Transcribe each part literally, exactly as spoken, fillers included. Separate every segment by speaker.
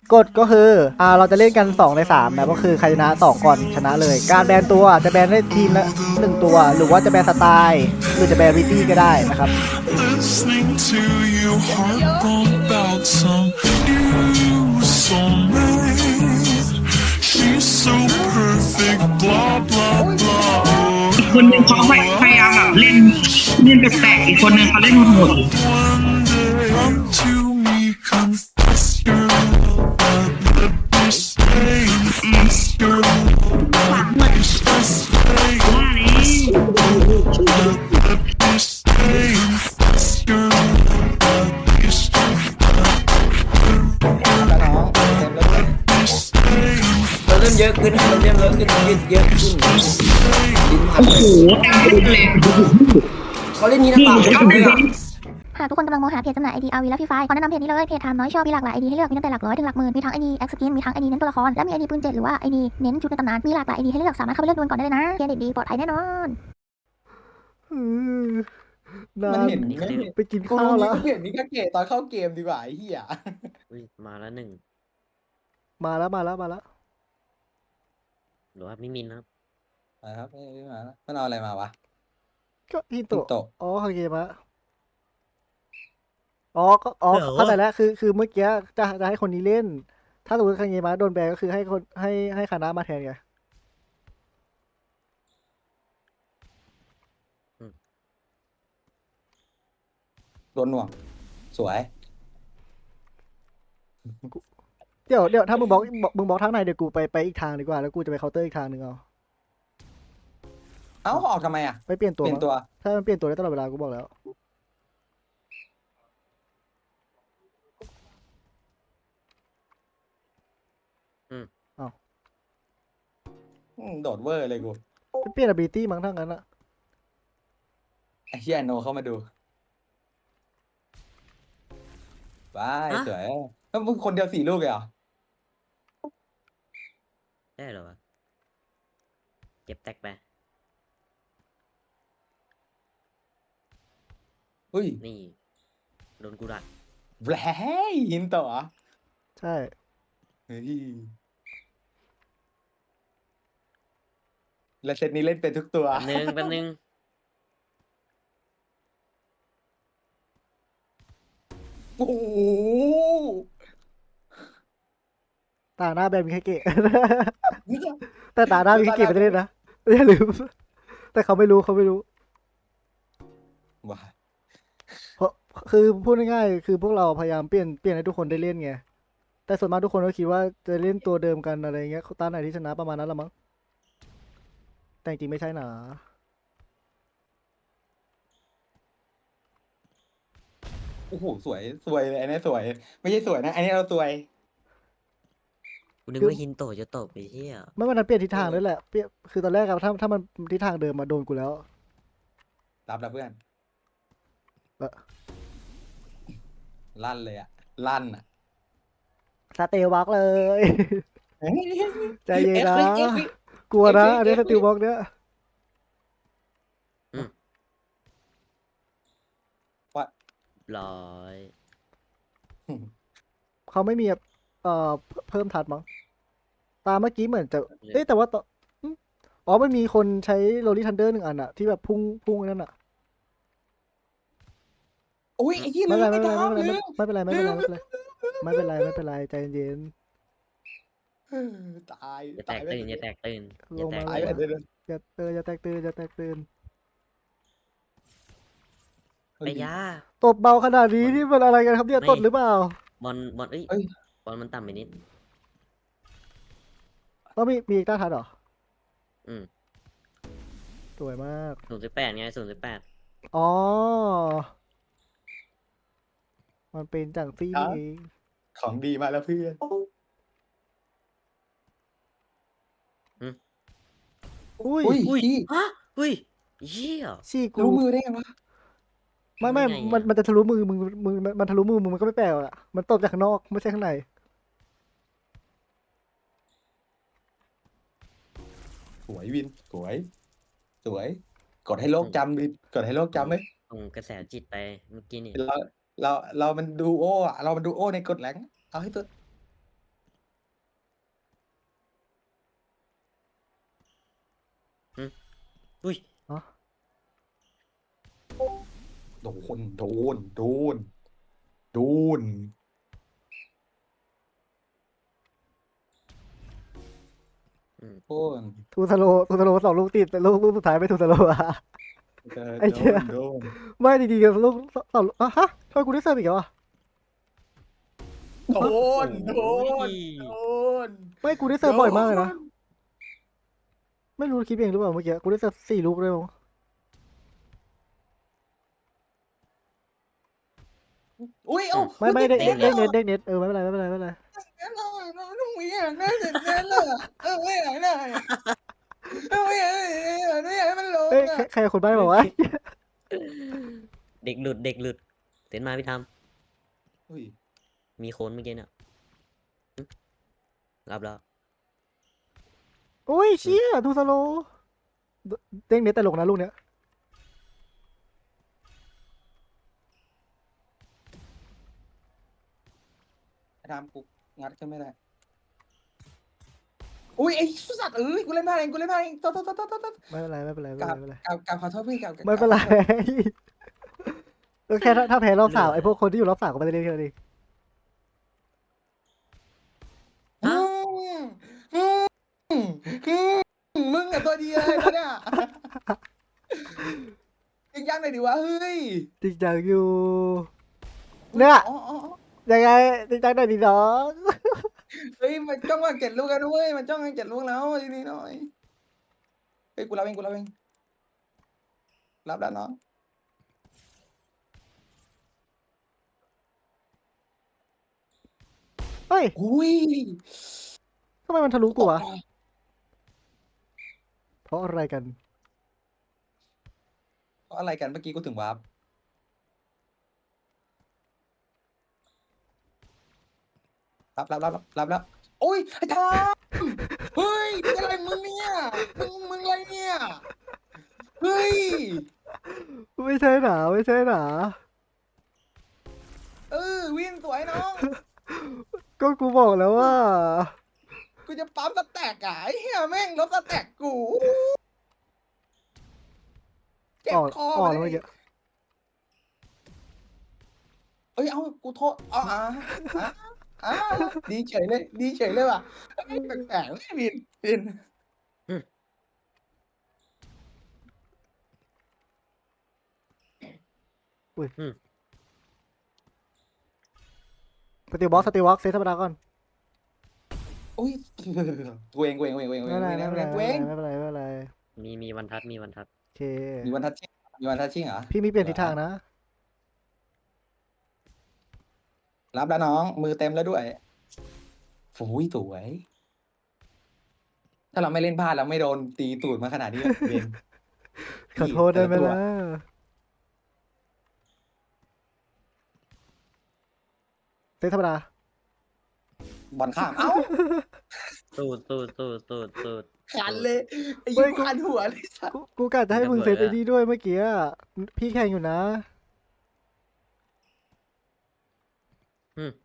Speaker 1: กฎก็คืออ่าเราจะเล่นกันสองในสามนะก็คือใครชนะสองก่อนชนะเลย การแบนตัวจะแบนได้ทีมละหนึ่งตัว หรือว่าจะแบนสไตล์หรือจะแบนวิตี้ก็ได้นะครับ
Speaker 2: Listening to you harp on about some new soulmate. She's so perfect, blah blah blah.
Speaker 3: อีกคนหนึ่งเขาพยายามแบบเล่นเล่นแปลกๆอีกคนหนึ่งเขาเล่นโหด
Speaker 2: One day, come to me, confess your love. Let me stay, confess your love. Let me stay,
Speaker 3: ว่าแล้ว
Speaker 2: let me stay, confess your love. Let me stay,
Speaker 4: เราเริ่มเยอะขึ้นเราเริ่มเยอะขึ้นยืดเยอะขึ้นลิ้นพัน
Speaker 3: โอ้โหเต็มที่เลย
Speaker 4: เขาเล่นนี้นะเปล่าเนี่ย
Speaker 5: หากทุกคนกำลังมองหาเพจจำหน่ายไอดี อาร์ วี และฟรีไฟขอแนะนำเพจนี้เลย เพจไทม์น้อยชอบมีหลากหลายไอดีให้เลือก มีตั้งแต่หลักร้อยถึงหลักหมื่น มีทั้งไอดีแอคสกินมีทั้งไอดีเน้นตัวละคร และมีไอดีปืนเจ็ดหรือว่าไอดีเน้นชุดในตำนาน มีหลากหลายไอดีให้เลือก สามารถเข้าไปเลือกดวลก่อนได้เลยนะเครดิตดีปลอดภัยแน่นอน
Speaker 1: อืมนา
Speaker 6: มัน
Speaker 1: น
Speaker 6: เห็นไม่เห็น
Speaker 1: ไปกิน
Speaker 6: กู
Speaker 1: ข้าว
Speaker 6: นี่
Speaker 1: แล้ว
Speaker 6: ก็เห็นนี่ก็เกะตอนเข้าเกมดีกว่าไอ้เหี้ย
Speaker 4: อุ้ยมาแล้วหนึ่ง
Speaker 1: มาแล้วมาแล้วมาแล้ว
Speaker 4: หรือว่ามิมินครับ
Speaker 6: มาครับไม่ไม่มาแล้วมันเอาอะไรมาวะ
Speaker 1: ก็ฮิโต
Speaker 6: ฮิโตะ
Speaker 1: อ๋อโอเคมาอ๋อก็อ๋อเข้าใจแล้วคือคือเมื่อกี้จะจะให้คนนี้เล่น ถ้าสมมติคังเงมะโดนแบนก็คือให้คนให้ให้คณะมาแทนไง
Speaker 6: โดนหน่วง สวย
Speaker 1: เดี๋ยวเดี๋ยวถ้ามึงบอกบอกมึงบอกทางไหนเดี๋ยวกูไปไปอีกทางดีกว่าแล้วกูจะไปเคาน์เตอร์อีกทางหนึ่งเอา
Speaker 6: เอ้าออกทำไมอ่ะ
Speaker 1: ไปเปลี่ยน
Speaker 6: เป
Speaker 1: ตัว
Speaker 6: ลี่ยน
Speaker 1: มั้ง
Speaker 6: ตัว
Speaker 1: ถ้ามันเปลี่ยนตัวได้ตลอดเวลากูบอกแล้ว
Speaker 6: อืมโดดเวอร์เลยกู
Speaker 1: ไปเปลี่ยน ability มั้งทั้งนั้นอะ
Speaker 6: ไอ้เหี้ยโนเข้ามาดูบายสวยแล้วมึงคนเดียวสี่ลูกเลยเหรอ
Speaker 4: ได้เหรอวะเก็บแตกไป
Speaker 6: อุ้ย
Speaker 4: นี่โดนกูดัก
Speaker 6: แหวหินต่อเหรอ
Speaker 1: ใช่
Speaker 6: เฮ้ยแล้วเซตนี้เล่นเป็นทุกตัว
Speaker 4: แป๊บนึงแป๊บนึง
Speaker 6: โอ้โห
Speaker 1: ตาหน้าแบนมีแค่เกะ แต่ตาหน้ามีแค่เกะไม่ได้เล่นนะอย่าลืม แต่เขาไม่รู้เขาไม่รู้
Speaker 6: ว้า
Speaker 1: เพราะคือพูดง่ายๆคือพวกเราพยายามเปลี่ยนเปลี่ยนให้ทุกคนได้เล่นไง แต่ส่วนมากทุกคนก็คิดว่าจะเล่นตัวเดิมกันอะไรเงี้ยตาไหนที่ชนะประมาณนั้นละมั้ง แต่จริงๆไม่ใช่หนา
Speaker 6: โอ้โหสวยสวยเลยอันนี้สวย ไม่ใช่สวยนะอันนี้เราสวย
Speaker 4: กูนึกว่าฮินโตะจะตบไปเที่ย
Speaker 1: ไม่มันเปลี่ยนทิศทางด้วยแหละเปลี่ยนคือตอนแรกอะถ้าถ้ามันทิศทางเดิมมาโดนกูแล้ว
Speaker 6: รับแล้วเพื่อน
Speaker 1: เออ
Speaker 6: ลั่นเลยอ่ะ ลั่นอ่ะ
Speaker 1: สเตลบ็อกเลย ใจเย็นนะ กลัวนะ อันนี้สติลบ็อกเนี้ย
Speaker 4: ร้อย
Speaker 1: เขาไม่มีแบบเอ่อเพิ่มทัดมั้ง ตามเมื่อกี้เหมือนจะ เอ๊ะแต่ว่าต่ออืมอ๋อมันมีคนใช้โรลี่ทันเดอร์หนึ่งอันอะที่แบบพุ่งพุ่งนั่นอะ
Speaker 6: อุ้ยไอ้ยี่
Speaker 1: ไม่
Speaker 6: ลื
Speaker 1: เป็น
Speaker 6: ม
Speaker 1: ไร
Speaker 6: ไอ้
Speaker 1: ไม่เป็นไร
Speaker 6: ดอม
Speaker 1: ไม่
Speaker 6: ลื
Speaker 1: เป็น
Speaker 6: ม
Speaker 1: ไรไม่เป็นไรไม่เป็นไรไม่เป็นไรไม่เป็นไรใจเย็น
Speaker 6: เออตาย
Speaker 4: อย่าแต
Speaker 6: ตาย
Speaker 4: ก
Speaker 6: ไป
Speaker 4: ตื่นอย่าแตกตื่นอย่าแตก
Speaker 6: ตาย
Speaker 4: ตื่น
Speaker 6: ไปเดิน
Speaker 1: อย่าเอออย่าแตกตื่นอย่าแตกตื่น
Speaker 4: ไปยา
Speaker 1: ตบเบาขนาดนี้นี่มันอะไรกันครับเนี่ย
Speaker 4: ไม่
Speaker 1: ตดหรือเปล่า
Speaker 4: บอลบอลเอ้ย
Speaker 6: เอ้ย
Speaker 4: บอลมันต่ำไปนิด
Speaker 1: ก็มีมีอีกต้าทัดเหรอ
Speaker 4: อืม
Speaker 1: สวยมาก
Speaker 4: ศูนย์สิบแปดไงศูนย์สิบแปด
Speaker 1: อ๋อ มันเป็นจังซี่นี่เอง
Speaker 6: ของดีมาแล้วเพื่อน
Speaker 1: อุ้ย
Speaker 6: อุ้ย
Speaker 4: อุ้ย
Speaker 6: พี่
Speaker 4: ฮะอุ้ยเยี่ย
Speaker 1: ชี้กู
Speaker 6: รู้มือได้ไงวะ
Speaker 1: ไม่ไม่
Speaker 4: ได้ไงอะ
Speaker 1: มันมันจะทะลุมือมึงมึงมันมันทะลุมือมึงมันก็ไม่แปลกหรอกอะมันตบจากข้างนอกไม่ใช่ข้างใน
Speaker 6: สวยวิน สวย สวย กดให้โลกจำดิกดให้โลกจำเลย
Speaker 4: ส่งกระแสจิตไปเมื่อกี้นี่
Speaker 6: เราเราเรามันดูโออ่ะเรามันดูโอในกดแหลงเอาให้ตัว
Speaker 4: อุ้ย
Speaker 1: อ๋อ
Speaker 6: โดนโดนโดนโดน
Speaker 4: อืม
Speaker 6: โดน
Speaker 1: ทูสโลทูสโลสองลูกติดแต่ลูกลูกสุดท้ายไม่ทูสโลอะ
Speaker 6: เออ
Speaker 1: ไอ้
Speaker 6: โด
Speaker 1: เหี้ย
Speaker 6: นโดน
Speaker 1: ไม่จริงๆกับลูกสองลูกอ่ะฮะทำไมกูได้เสิร์ฟอีกแล้วอ่ะ
Speaker 6: โดนโดนโดน
Speaker 1: ไม่กูได้เสิร์ฟบ่อยมากเลยนะไม่รู้คิดเองหรือเปล่าเมื่อกี้กูได้เสิร์ฟสี่ลูกเลยมั้ง
Speaker 6: อุ้ยเอ้า
Speaker 1: ไม่ไม่เด็ก
Speaker 6: เด็
Speaker 1: เด็
Speaker 6: ก
Speaker 1: กเด็กเด็กเน็ตเออไม่เป็นไรไม่เป็นไรไม่เป็นไร
Speaker 6: ไม่อยากได้เด็กเน็ตเลยเออไม่อยากได้เออไม่อยากได้ไม่อยากให้มันลง
Speaker 1: เอ้ย
Speaker 6: อ่ะ
Speaker 1: ใครใครคนใบ้บอกว่า
Speaker 4: เด็กหลุดเด็กหลุดเต้นมาพี่ท
Speaker 6: อุ้ย
Speaker 4: ำมีโคนเมื่อกี้เนี่ยหึรับแล้ว
Speaker 1: โอ้ยเชี่ยทูสโลเด้งเน็ตตลกนะลูกเนี้ย
Speaker 6: ทำกูงัดก็ไม่ได้อุ้ยไอ้สัตว์เอ้ยกูเล่นพลาดเองกูเล่นพลาดเองโทษโทษโทษโทษโทษ
Speaker 1: ไม่เป็นไรไม่เป็นไรไม่
Speaker 6: ก
Speaker 1: เป็น
Speaker 6: ราบ
Speaker 1: ไร
Speaker 6: กราบกราบขอโทษพี่กราบ
Speaker 1: ไม่เป็นไรก็แค่ถ้าถ้าแพ้รอบสามไอ้พวกคนที่อยู่รอบสามก็ไม่ได้เล่นแค่นั้นเอง
Speaker 6: อืมอืมอืมมึงอะตัวดีเลยปะเนี่ยจริงจังหน่อยดิวะเฮ้ย
Speaker 1: จริงจังอยู่เนี่ย
Speaker 6: อ๋ออ๋ออ๋อ
Speaker 1: ยังไงจริงจังหน่อยดิน้อง
Speaker 6: เฮ้ยมันจ้องมาเก็บลูกกันด้วยมันจ้องมาเก็บลูกแล้วทีนี้หน่อยเฮ้ยกูรับเองกูรับเองรับแล้วน้อง
Speaker 1: เฮ้ย
Speaker 6: อุ้ย
Speaker 1: ทำไมมันทะลุกูวะ
Speaker 6: ตกใจ
Speaker 1: เพราะอะไรกัน
Speaker 6: เพราะอะไรกันเมื่อกี้กูถึงวาร์ปรับรับรับรับรับโอ้ยไอ้ทามเฮ้ยอะไรมึงเนี่ยมึงมึงอะไรเนี่ยเฮ้ย
Speaker 1: ไม่ใช่หนาไม่ใช่หนา
Speaker 6: เออวินสวยน้อง
Speaker 1: ก็กูบอกแล้วว่า
Speaker 6: กูจะปั๊มสแต็กอ่ะไอ้เหี้ยแม่งลบสแต็กกูเจ็บ
Speaker 1: ออก
Speaker 6: คอ
Speaker 1: ออก
Speaker 6: ไป
Speaker 1: แล้ว
Speaker 6: เล
Speaker 1: เมื่อย กี้
Speaker 6: เอ้ยเอากูโทษอ๋ออ่ะอ่ะอ่ะดีเฉยเลยดีเฉยเลยว่ะเอ้ยแปลกๆเลยวินวิน
Speaker 1: สติลบล็อกสติลบล็อกเซตธรรมดาก่อน
Speaker 6: อุ้ยกูเองกูเองกูเองกูเองกู
Speaker 1: ไม่
Speaker 6: เอง
Speaker 1: เป็นไร
Speaker 6: กู
Speaker 1: ไม่
Speaker 6: เอ
Speaker 1: เป็น
Speaker 6: ง
Speaker 1: ไร
Speaker 6: กูเอง
Speaker 1: ไม่เป็นไรไม่เป็นไร
Speaker 4: มีมีวันทัดมีวันทัด
Speaker 1: โอเค
Speaker 6: มีวันทัชชิ่งมีวันทัชชิ่งเหรอ
Speaker 1: พี่มีเปลี่ยนทิศทางนะ
Speaker 6: รับแล้วน้อง มือเต็มแล้วด้วยโอ้ยสวย ถ้าเราไม่เล่นพลาดเราไม่โดนตีตูดมาขนาดนี้เบน
Speaker 1: ขอโทษได้ไหม
Speaker 6: แต่ละตัว
Speaker 1: ล่ะเซตธรรมดา
Speaker 6: บอลข้าม เอ้า
Speaker 4: ตูดตูดตูดตูดตูด
Speaker 6: ขันเลยไอ้
Speaker 1: เฮ้
Speaker 6: ยิ้
Speaker 1: ย
Speaker 6: ม
Speaker 1: กู
Speaker 6: ขันหัวเลยสัส
Speaker 1: กูกูกะจะให้มึงเซตไอ้นี่ด้วยเมื่อกี้อะพี่แข่งอยู่นะ
Speaker 4: อืม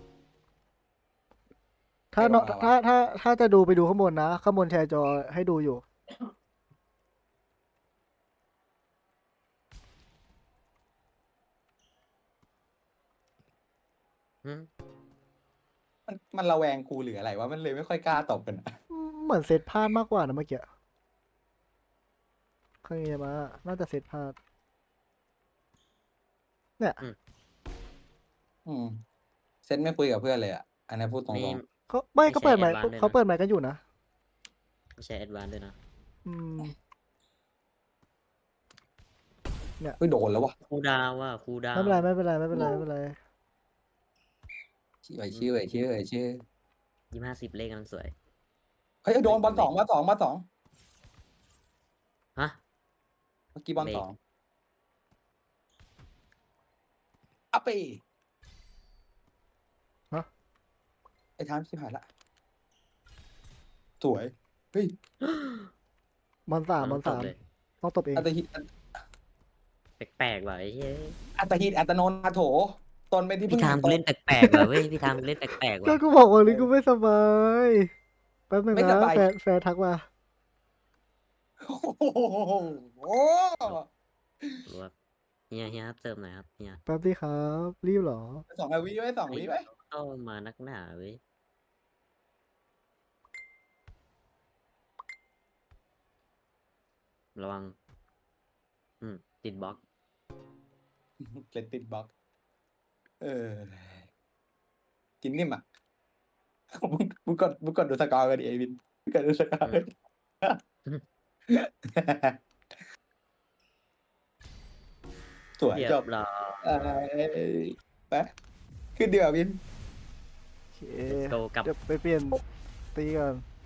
Speaker 1: ถ้าเนาะถ้าถ้าถ้าจะดูไปดูข้างบนนะ ข้างบนแชร์จอให้ดูอยู่
Speaker 4: อืม
Speaker 6: มันมันระแวงกูหรืออะไรวะ มันเลยไม่ค่อยกล้าตบกันอะ
Speaker 1: เหมือนเซตพลาดมากกว่านะเมื่อกี้เคยมา น่าจะเซตพลาด เนี่ย
Speaker 6: อืมเซนไม่คุยกับเพื่อนเลยอ่ะ อันนี้พูดตร
Speaker 4: ไม่
Speaker 6: ง
Speaker 1: เขาไม่
Speaker 4: ไม่
Speaker 1: เขา
Speaker 4: ใช่
Speaker 1: เปิดไมค์
Speaker 4: advance ด้วยนะ
Speaker 1: เขาเปิดไมค์กันอยู่นะ
Speaker 4: ไม่ใช่แอดวานด้วยนะ
Speaker 1: อืม
Speaker 6: ๆเฮ้ยโดนแล้ววะ
Speaker 4: ครูดาวว่าครูดาว
Speaker 1: ไม่เป็นไรไม่เป็นไรไม่เป็นไรไม่เป็นไร
Speaker 6: ชื่อไอ้ชื่อไอ้ชื่อไอ้ชื่อ
Speaker 4: ยี่ห้าสิบเลขกำลังสวย
Speaker 6: เฮ้ยโดนบอลสองบอลสองบอลสอง
Speaker 4: ฮะ
Speaker 6: เมื่อกี้บอล
Speaker 4: เลข
Speaker 6: สองอัปปี
Speaker 1: ฮะ
Speaker 6: ไอ้ทามชิบหายละ สวย เฮ้ย
Speaker 1: บอลสามบอล
Speaker 4: ต
Speaker 1: สา
Speaker 4: บ
Speaker 1: ม
Speaker 4: เลย
Speaker 1: ต้องตบเอง
Speaker 6: อัตหิต
Speaker 4: แปลกๆว่ะไอ้เฮ้ย
Speaker 6: อัตหิตอัตโนนาโถ ตนเป็นที่พึ่
Speaker 4: พี่
Speaker 6: ง
Speaker 4: ทาม
Speaker 6: แห่ง
Speaker 4: กู
Speaker 6: ต
Speaker 4: เล่นแปลกๆว่ะเว้ยพี่ทามกูเล่นแปลกๆ
Speaker 1: ก็
Speaker 4: ว่ะ
Speaker 1: กูบอกวันนี้กูไม่สบาย แป๊บนึง
Speaker 6: ไม่ส
Speaker 1: นะ
Speaker 6: บาย
Speaker 1: แฟนแฟนทักมา
Speaker 6: โอ้โห
Speaker 7: รู้ว่าเฮียเฮียครับเติมหน่อยครับเฮีย
Speaker 1: แป๊บดีครับรีบเหรอ
Speaker 6: สองวิไว้สองวิไว้
Speaker 7: เข้ามานักหนาเว้ยระวัง อืม ติดบล็อก
Speaker 6: เล่นติดบล็อก เออกินนิ่มอ่ะมึงมึงกดมึงกดดูสกอร์กันดิไอ้บินมึงกดดูสกอร์กันดิสวย
Speaker 7: เรีย
Speaker 6: จ
Speaker 7: บบ ร้อย
Speaker 6: เอ้ยไปขึ้นเดือบิน
Speaker 1: โอเค
Speaker 7: โตกลับ
Speaker 1: เดี๋ยวไปเปลี่ยนตีก่อน